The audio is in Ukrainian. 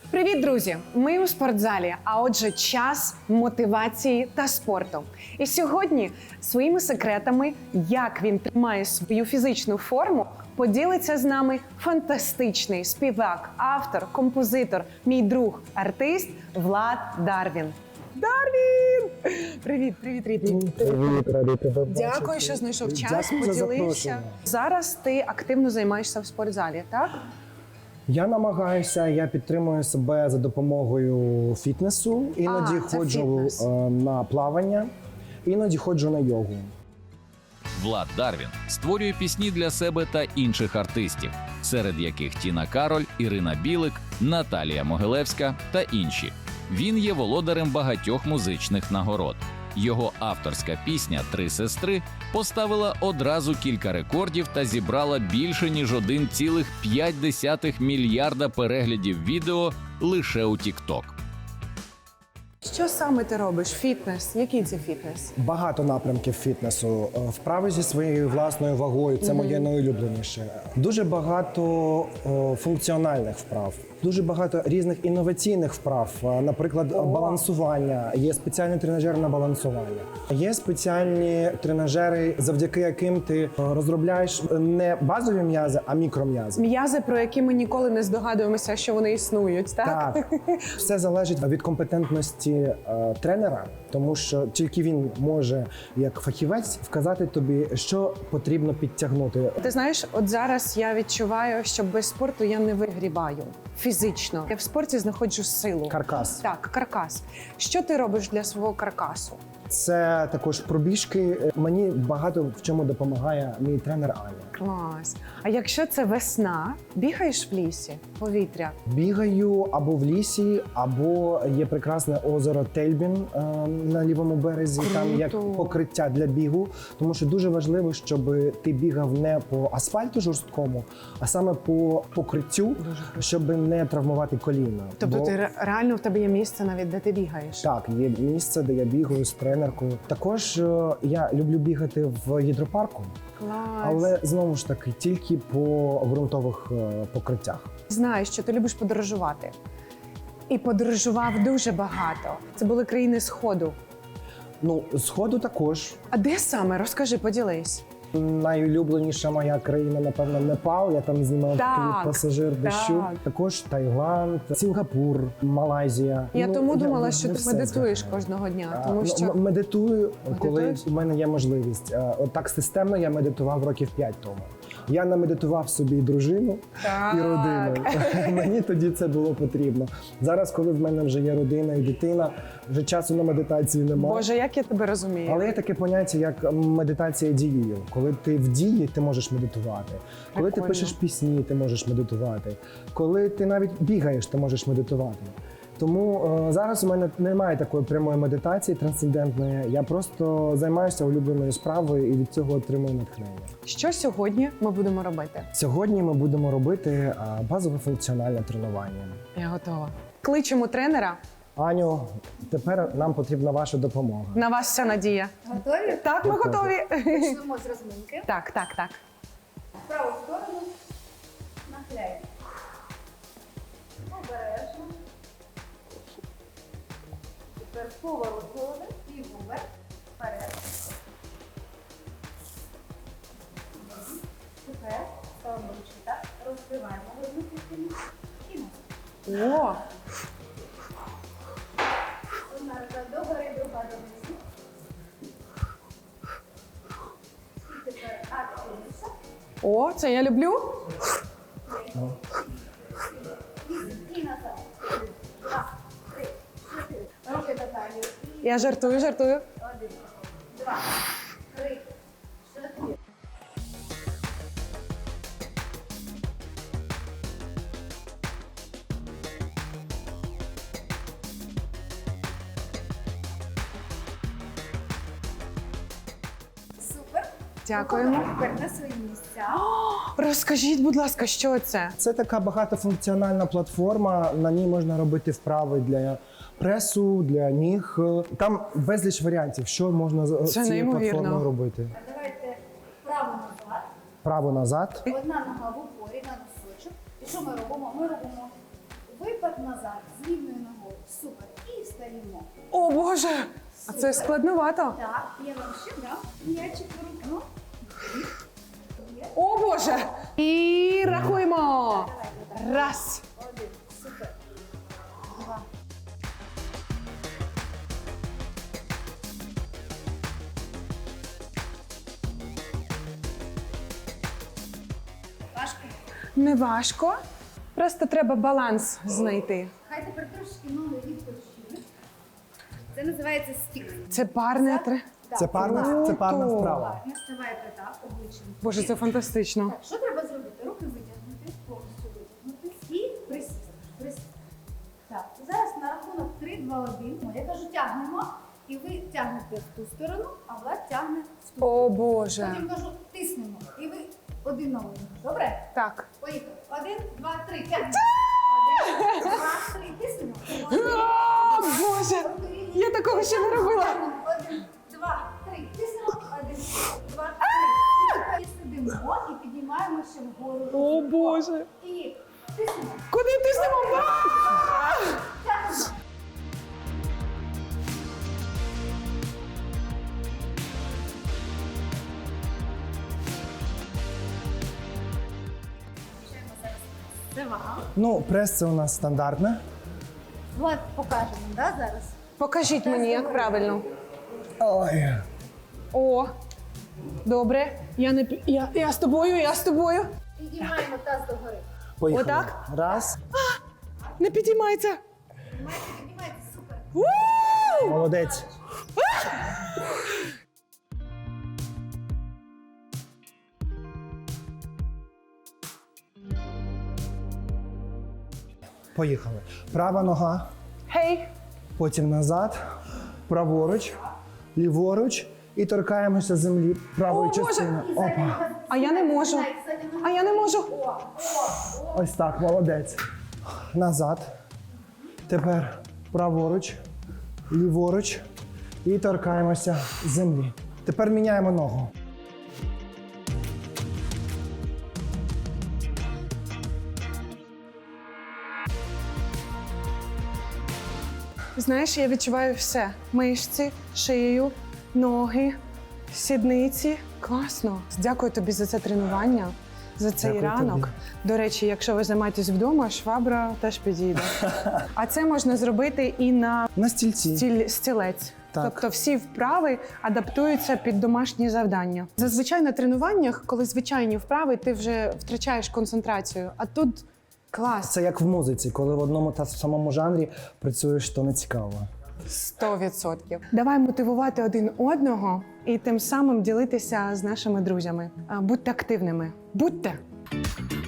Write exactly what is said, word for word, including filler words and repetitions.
Привіт, друзі! Ми у спортзалі, а отже, час мотивації та спорту. І сьогодні своїми секретами, як він тримає свою фізичну форму, поділиться з нами фантастичний співак, автор, композитор, мій друг, артист Влад Дарвін. Дарвін! Привіт, привіт, рідний. Привіт, радий тебе бачити. Дякую, що знайшов час, Дякую за поділився. запрошення. Зараз ти активно займаєшся в спортзалі, так? Я намагаюся, я підтримую себе за допомогою фітнесу. Іноді А, це ходжу фітнес. е, на плавання, іноді ходжу на йогу. Влад Дарвін створює пісні для себе та інших артистів, серед яких Тіна Кароль, Ірина Білик, Наталія Могилевська та інші. Він є володарем багатьох музичних нагород. Його авторська пісня «Три сестри» поставила одразу кілька рекордів та зібрала більше ніж один цілих п'ять десятих мільярда переглядів відео лише у TikTok. Що саме ти робиш? Фітнес? Який це фітнес? Багато напрямків фітнесу. Е, Вправи зі своєю власною вагою – це моє найулюбленіше. Дуже багато о, функціональних вправ. Дуже багато різних інноваційних вправ, Е, наприклад, балансування. Є спеціальний тренажер на балансування. Є спеціальні тренажери, завдяки яким ти е, розробляєш не базові м'язи, а мікром'язи. М'язи, про які ми ніколи не здогадуємося, що вони існують, так? Так, все залежить від компетентності е, тренера, тому що тільки він може, як фахівець, вказати тобі, що потрібно підтягнути. Ти знаєш, от зараз я відчуваю, що без спорту я не вигрібаю фізично. Я в спорті знаходжу силу. Каркас. Так, каркас. Що ти робиш для свого каркасу? Це також пробіжки. Мені багато в чому допомагає мій тренер Аня. Клас. А якщо це весна, бігаєш в лісі, повітря? Бігаю або в лісі, або є прекрасне озеро Тельбін е, на лівому березі. Там як Круто. покриття для бігу, тому що дуже важливо, щоб ти бігав не по асфальту жорсткому, а саме по покриттю, щоб не травмувати коліна. Тобто Бо- ти ре- реально в тебе є місце навіть, де ти бігаєш? Так, є місце, де я бігаю з тренеркою. Також е, я люблю бігати в гідропарку, Клас. але знову ж таки тільки по ґрунтових е, покриттях. Знаю, що ти любиш подорожувати. І подорожував дуже багато. Це були країни Сходу. Ну, сходу також. А де саме? Розкажи, поділись. Найулюбленіша моя країна, напевно, Непал. Я там знімав Так, кліп «Пасажир дощу». так. Також Таїланд, Сінгапур, Малайзія. Я Ну, тому думала, не що ти все медитуєш згадаю. кожного дня, А, тому ну, що м- медитую, коли Медитуєш? у мене є можливість. А, От так системно я медитував років п'ять тому. Я намедитував собі і дружину, Так. і родину. Мені тоді це було потрібно. Зараз, коли в мене вже є родина і дитина, вже часу на медитацію немає. Боже, як я тебе розумію. Але є таке поняття, як медитація дією. Коли ти в дії, ти можеш медитувати. Коли ти Прикольно. пишеш пісні, ти можеш медитувати. Коли ти навіть бігаєш, ти можеш медитувати. Тому е, зараз у мене немає такої прямої медитації трансцендентної. Я просто займаюся улюбленою справою і від цього отримую натхнення. Що сьогодні ми будемо робити? Сьогодні ми будемо робити е, базове функціональне тренування. Я готова. Кличемо тренера. Аню, тепер нам потрібна ваша допомога. На вас вся надія. Готові? Так, ми Готові. готові. Почнемо з розминки. Так, так, так. В праву сторону нахиляємо. Обережно. Тепер поворот голови і вверх, вперед. Тепер ставимо ручки так, розкриваємо одну частину і назад. О, Одна рука догори, друга донизу. І тепер активніше. о, це я люблю. І назад. Два, три, чотири. Руки до талії. І Я жартую, жартую. один, два, три, чотири. Супер. Дякуємо. Тепер на свої місця. Розкажіть, будь ласка, що це? Це така багатофункціональна платформа. На ній можна робити вправи для пресу, для ніг. Там безліч варіантів, що можна з Це цією неймовірно. платформою робити. А давайте право назад. Право назад. Одна нога в упорі на носочок. І що ми робимо? Ми робимо Випад назад з рівною ногою. Супер. І встаємо. О Боже! А це складновато. Так, я вам ще дам м'ячик в руку. О Боже! І рахуємо. Раз. Один. Супер. Два. Важко. Не важко. Просто треба баланс знайти. Хай тепер трошки ноги відпочинуть. Це називається стік. Це парне тре. Так. Це парна, це парна Круто. вправа. Не вставайте так, обличчям. Боже, це фантастично. Так, що треба зробити? Руки витягнути, повністю витягнути і присісти. Присісти. Так, зараз на рахунок три, два, один. Я кажу, тягнемо, і ви тягнете в ту сторону, а Влад тягне в ту. О Боже. Потім кажу, тиснемо, і ви один на один. Добре? Так. Поїхали. Один, два, три, тягнемо. Один, два, три, тиснемо. Один, О Боже! руки рівні. Я такого ще не робила. Тягнемо. Один, два, три, тиснемо. Один, два, три. І тепер сидимо і піднімаємо ще вгору. О Боже! І тиснемо. Куди тиснемо? А! Тягнемо. Включаємо зараз. Це вага. Ну, прес це у нас стандартне. Влад покажемо, да, зараз? Покажіть мені, як правильно. Ой. О, добре. Я не пі- я, я з тобою, я з тобою. Піднімаємо таз догори. Поїхали. Отак? Раз. Не підіймається. Піднімайте, піднімайте, супер. У! Молодець. Поїхали. Права нога, Гей, потім назад, праворуч, ліворуч і торкаємося землі правою О, Боже! частиною. І задня Опа. нога. А я не можу. Сідай, задня нога. а я не можу. О, о, о. Ось так, молодець. Назад. Тепер праворуч, ліворуч і торкаємося землі. Тепер міняємо ногу. Знаєш, я відчуваю все: мишці, шию, ноги, сідниці. Класно. Дякую тобі за це тренування, за цей Дякую ранок. тобі. До речі, якщо ви займаєтесь вдома, швабра теж підійде. А це можна зробити і на На стільці. стіль, стілець. Так. Тобто всі вправи адаптуються під домашні завдання. Зазвичай на тренуваннях, коли звичайні вправи, ти вже втрачаєш концентрацію. А тут клас. Це як в музиці, коли в одному та самому жанрі працюєш, то не цікаво. Сто відсотків. Давай мотивувати один одного і тим самим ділитися з нашими друзями. А, Будьте активними. Будьте!